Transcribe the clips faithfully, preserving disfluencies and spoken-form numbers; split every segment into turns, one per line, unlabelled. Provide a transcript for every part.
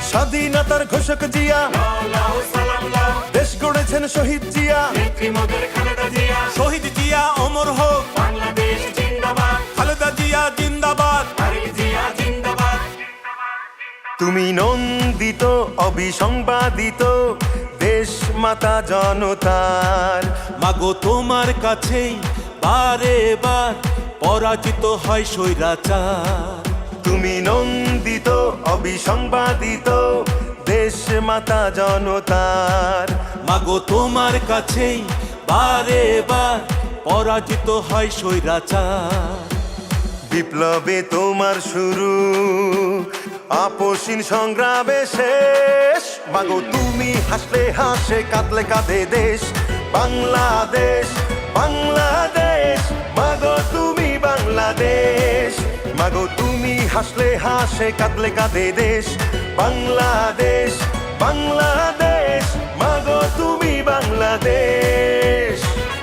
স্বাধীনতার ঘোষক জিয়া, দেশ গড়েছেন শহীদ জিয়া,
শহীদ জিয়া অমর হোক,
বাংলাদেশ জিন্দাবাদ,
খালেদা জিয়া জিন্দাবাদ।
তারেক জিয়া জিন্দাবাদ।
তুমি নন্দিত অবিসংবাদিত দেশ মাতা জনতার।
মাগো তোমার কাছেই বারে বার পরাজিত হয় স্বৈরাচার।
তুমি নন্দিত অবিসংবাদিত দেশ মাতা জনতার।
মাগো তোমার কাছেই বারে বার পরাজিত হয় স্বৈরাচার।
বিপ্লবে তোমার শুরু, আপসীন সংগ্রামে শেষ। মাগো তুমি হাসলে হাসে, কাঁদলে কাঁদে দেশ বাংলাদেশ, বাংলাদেশ। মাগো তুমি বাংলাদেশ, মাগো তুমি হাসলে হাসে, কাঁদলে কাঁদে দেশ বাংলাদেশ, বাংলাদেশ। মাগো তুমি বাংলাদেশ।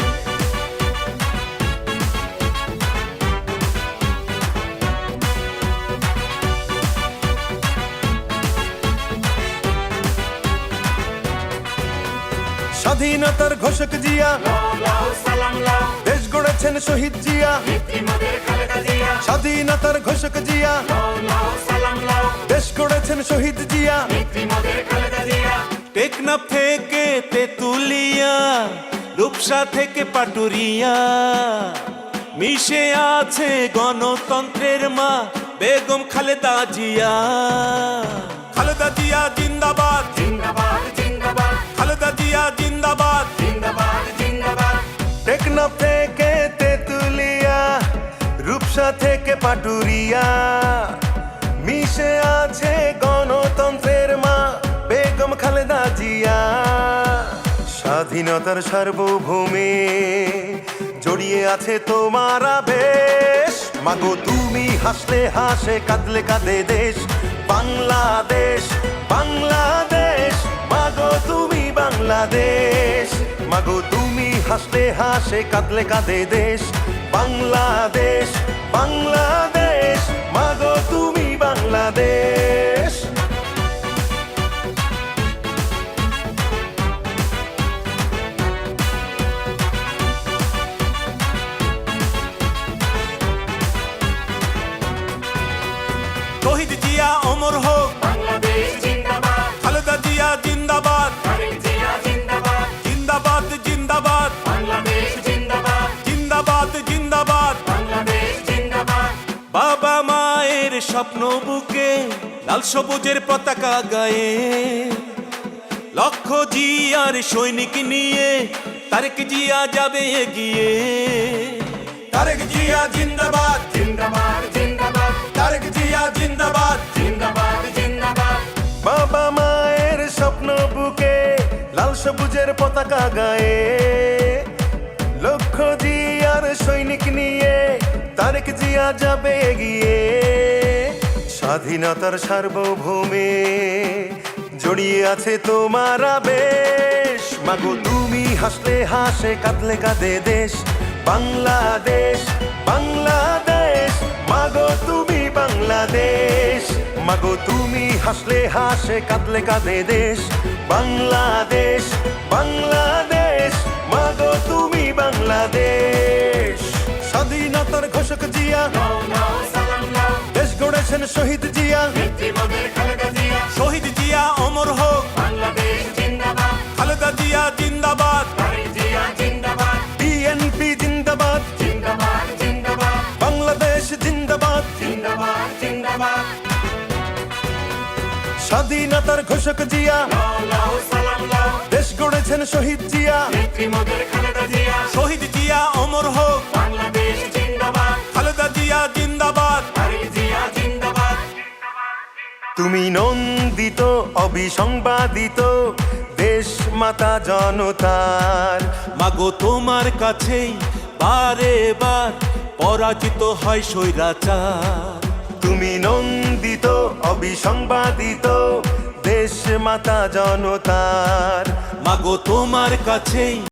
স্বাধীনতার ঘোষক জিয়া, দেশ গড়েছেন শহীদ জিয়া, স্বাধীনতার ঘোষক জিয়া, দেশ গড়েছেন শহীদ জিয়া।
টেকনাফ থেকে তেতুলিয়া, রূপসা থেকে পাটুরিয়া, মিশে আছে গণতন্ত্রের মা বেগম খালেদা জিয়া। খালেদা জিয়া জিন্দাবাদ,
জিন্দাবাদ জিন্দাবাদ,
খালেদা জিয়া জিন্দাবাদ।
জিন্দাবাদ জিন্দাবাদ।
টেকনাফ থেকে তেতুলিয়া, রূপসা থেকে পাটুরিয়া, মিশে আছে গণতন্ত্রের মা বেগম খালেদা জিয়া। স্বাধীনতার সার্বভৌমে জড়িয়ে আছে তোমার আবেশ। মাগো তুমি হাসলে হাসে, কাঁদলে কাঁদে দেশ বাংলাদেশ, বাংলাদেশ। মাগো তুমি বাংলাদেশ, মাগো তুমি হাসলে হাসে, কাঁদলে কাঁদে দেশ বাংলাদেশ, বাংলাদেশ। মাগো তুমি বাংলাদেশ।
শহীদ জিয়া অমর হোক,
বাংলাদেশ জিন্দাবাদ,
খালেদা জিয়া জিন্দাবাদ।
তারেক জিয়া জিন্দাবাদ,
জিন্দাবাদ জিন্দাবাদ,
বাংলাদেশ জিন্দাবাদ,
জিন্দাবাদ জিন্দাবাদ।
বাংলাদেশ জিন্দাবাদ।
বাবা মায়ের স্বপ্ন বুকে লাল সবুজের পতাকা গায়ে, লক্ষ জিয়ার সৈনিক নিয়ে তারেক জিয়া যাবে এগিয়ে। তারেক জিয়া জিন্দাবাদ,
জিন্দাবাদ জিন্দাবাদ,
তারেক জিয়া জিন্দাবাদ।
জিন্দাবাদ জিন্দাবাদ।
বাবা মায়ের স্বপ্ন বুকে লাল সবুজের পতাকা গায়ে, লক্ষ জিয়ার সৈনিক নিয়ে তারেক জিয়া যাবে এগিয়ে। স্বাধীনতার সার্বভৌমে জড়িয়ে আছে তোমার আবেশ। মাগো তুমি হাসলে হাসে, কাঁদলে কাঁদে দেশ বাংলাদেশ, বাংলাদেশ। মাগো তুমি বাংলাদেশ, মাগো তুমি হাসলে হাসে, কাঁদলে কাঁদে দেশ বাংলাদেশ, বাংলাদেশ। মাগো তুমি বাংলাদেশ। স্বাধীনতার ঘোষক জিয়া,
নাও নাও সালাম নাও,
দেশ গড়েছেন শহীদ জিয়া,
নেত্রীমোদের খালেদা জিয়া।
শহীদ জিয়া অমর হোক,
বাংলাদেশ জিন্দাবাদ,
খালেদা জিয়া জিন্দাবাদ।
তারেক জিয়া জিন্দাবাদ,
বিএনপি জিন্দাবাদ,
জিন্দাবাদ জিন্দাবাদ,
বাংলাদেশ জিন্দাবাদ।
জিন্দাবাদ জিন্দাবাদ।
স্বাধীনতার ঘোষক জিয়া,
নাও নাও সালাম নাও,
দেশ গড়েছেন শহীদ জিয়া,
নেত্রীমোদের খালেদা জিয়া।
শহীদ জিয়া অমর হোক,
বাংলাদেশ জিন্দাবাদ,
খালেদা জিয়া জিন্দাবাদ।
তারেক জিয়া জিন্দাবাদ।
তুমি নন্দিত অবিসংবাদিত দেশ মাতা জনতার।
মাগো তোমার কাছেই বারে বার পরাজিত হয় স্বৈরাচার।
তুমি নন্দিত অবিসংবাদিত দেশ মাতা জনতার।
মাগো তোমার কাছেই